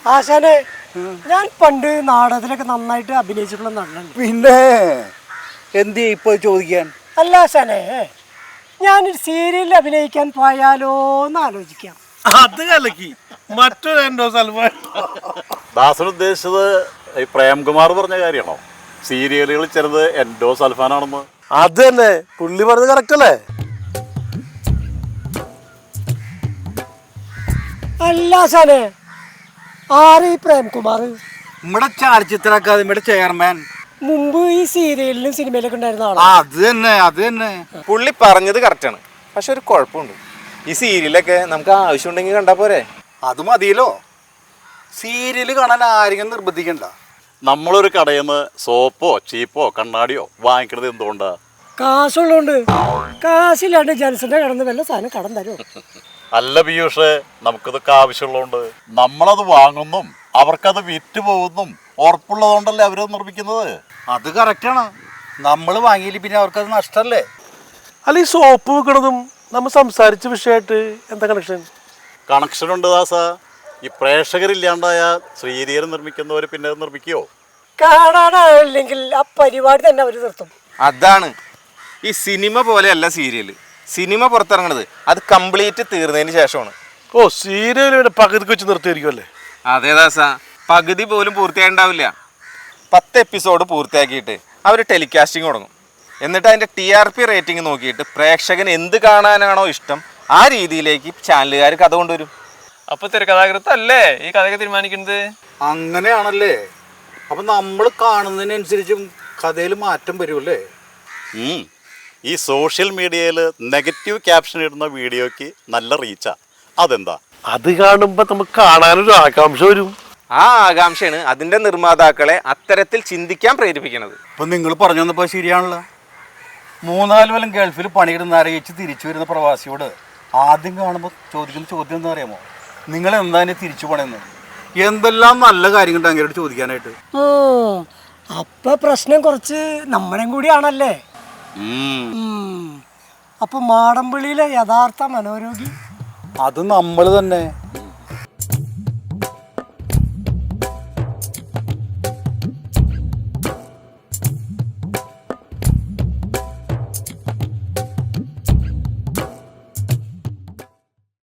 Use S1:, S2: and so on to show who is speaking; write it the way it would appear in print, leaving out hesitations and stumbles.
S1: ആശാനെ ഞാൻ പണ്ട് നാടകത്തിലൊക്കെ നന്നായിട്ട് അഭിനയിച്ചിട്ടുള്ള നടനാണ്.
S2: പിന്നെ എന്ത് ഇപ്പൊ ചോദിക്കാൻ?
S1: അല്ല ആശാനെ, ഞാനൊരു സീരിയലിൽ അഭിനയിക്കാൻ പോയാലോ എന്ന് ആലോചിക്കാം.
S3: അത് കലക്കി മറ്റൊരു എൻഡോ സൽമാൻ.
S4: ദാസൻ ഉദ്ദേശിച്ചത് ഈ പ്രേംകുമാർ പറഞ്ഞ കാര്യമാണോ? സീരിയലുകളിൽ ചിലത് എൻഡോ സൽഫാനാണെന്ന്.
S3: അത് തന്നെ പുള്ളി പറഞ്ഞത് കറക്റ്റ് അല്ലേ?
S1: അല്ല ആശാനെ, ആര് ഈ പ്രേംകുമാർ?
S2: നമ്മുടെ ചലച്ചിത്ര അക്കാദമിയുടെ ചെയർമാൻ.
S1: മുമ്പ് ഈ സീരിയലിലും സിനിമയിലൊക്കെ ഉണ്ടായിരുന്ന ആളാ.
S2: അത് തന്നെ
S5: പുള്ളി പറഞ്ഞത് കറക്റ്റാണ്. പക്ഷെ ഒരു കുഴപ്പമുണ്ട്, ഈ സീരിയലൊക്കെ നമുക്ക് ആവശ്യമുണ്ടെങ്കിൽ കണ്ടാ പോരെ?
S2: അത് മതിയല്ലോ. സീരിയല് കാണാൻ ആരെങ്കിലും നിർബന്ധിക്കണ്ട.
S4: നമ്മളൊരു കടയിൽ നിന്ന് സോപ്പോ ചീപ്പോ കണ്ണാടിയോ വാങ്ങിക്കണത് എന്തുകൊണ്ടാ?
S1: കാശുള്ളതുകൊണ്ട്. കാശില്ലാണ്ട് ജനസിന്റെ കടന്ന് വല്ല സാധനം കടം തരും.
S4: അല്ല പീയൂഷ്, നമുക്കിതൊക്കെ ആവശ്യമുള്ളതുകൊണ്ട് നമ്മളത് വാങ്ങുന്നും അവർക്കത് വിറ്റ് പോകുന്നും ഉറപ്പുള്ളതുകൊണ്ടല്ലേ അവരത് നിർമ്മിക്കുന്നത്.
S2: അത് കറക്റ്റാണ്. നമ്മൾ വാങ്ങിയില്ല പിന്നെ അവർക്കത് നഷ്ടല്ലേ?
S3: അല്ല, ഈ സോപ്പ് വെക്കണതും നമ്മൾ സംസാരിച്ച വിഷയമായിട്ട് എന്താ കണക്ഷൻ?
S4: കണക്ഷൻ ഉണ്ട് ദാസ. ഈ പ്രേക്ഷകരില്ലാണ്ടായ സീരിയൽ നിർമ്മിക്കുന്നവർ പിന്നെ അത് നിർമ്മിക്കുമോ?
S1: കാണാനായില്ലെങ്കിൽ ആ പരിപാടി തന്നെ അവർ നിർത്തും.
S5: അതാണ്, ഈ സിനിമ പോലെയല്ല സീരിയല്. സിനിമ പുറത്തിറങ്ങണത് അത് കംപ്ലീറ്റ് തീർന്നതിന് ശേഷമാണ്.
S3: ഓ, സീരിയൽ പകുതിക്ക് വെച്ച് നിർത്തിയായിരിക്കും അല്ലേ?
S5: അതേ ദാസ, പകുതി പോലും പൂർത്തിയായിട്ടുണ്ടാവില്ല. 10 എപ്പിസോഡ് പൂർത്തിയാക്കിയിട്ട് അവർ ടെലികാസ്റ്റിംഗ് തുടങ്ങും. എന്നിട്ട് അതിൻ്റെ TRP റേറ്റിംഗ് നോക്കിയിട്ട് പ്രേക്ഷകൻ എന്ത് കാണാനാണോ ഇഷ്ടം ആ രീതിയിലേക്ക് ചാനലുകാർ കഥ കൊണ്ടുവരും.
S6: അപ്പൊ തിരക്കഥാകൃത്തല്ലേ ഈ കഥയൊക്കെ തീരുമാനിക്കുന്നത്?
S2: അങ്ങനെയാണല്ലേ? അപ്പൊ നമ്മൾ കാണുന്നതിനനുസരിച്ചും കഥയിൽ മാറ്റം വരുമല്ലേ?
S4: ഈ സോഷ്യൽ മീഡിയയിൽ നെഗറ്റീവ് ക്യാപ്ഷൻ ഇടുന്ന വീഡിയോയ്ക്ക് നല്ല റീച്ചാ. അതെന്താ?
S3: അത് കാണുമ്പോ നമുക്ക് കാണാനൊരു ആകാംക്ഷ വരും.
S5: ആ ആകാംക്ഷയാണ് അതിൻ്റെ നിർമ്മാതാക്കളെ അത്തരത്തിൽ ചിന്തിക്കാൻ പ്രേരിപ്പിക്കുന്നത്.
S2: ഇപ്പം നിങ്ങൾ പറഞ്ഞു വന്നപ്പോൾ ശരിയാണല്ലോ. 3-4 കൊല്ലം ഗൾഫിൽ പണിയിടുന്ന അറിയിച്ച് തിരിച്ചു വരുന്ന പ്രവാസിയോട് ആദ്യം കാണുമ്പോൾ ചോദിക്കുന്ന ചോദ്യം എന്താ അറിയാമോ? നിങ്ങൾ എന്താണ് തിരിച്ചു പണിയുന്നത്? എന്തെല്ലാം നല്ല കാര്യങ്ങളുണ്ട് അങ്ങോട്ട് ചോദിക്കാനായിട്ട്.
S1: അപ്പൊ പ്രശ്നം കുറച്ച് നമ്മളെയും കൂടിയാണല്ലേ? അപ്പൊ മാടമ്പിള്ളിയിലെ യഥാർത്ഥ മനോരോഗി
S2: അത് നമ്മൾ തന്നെ.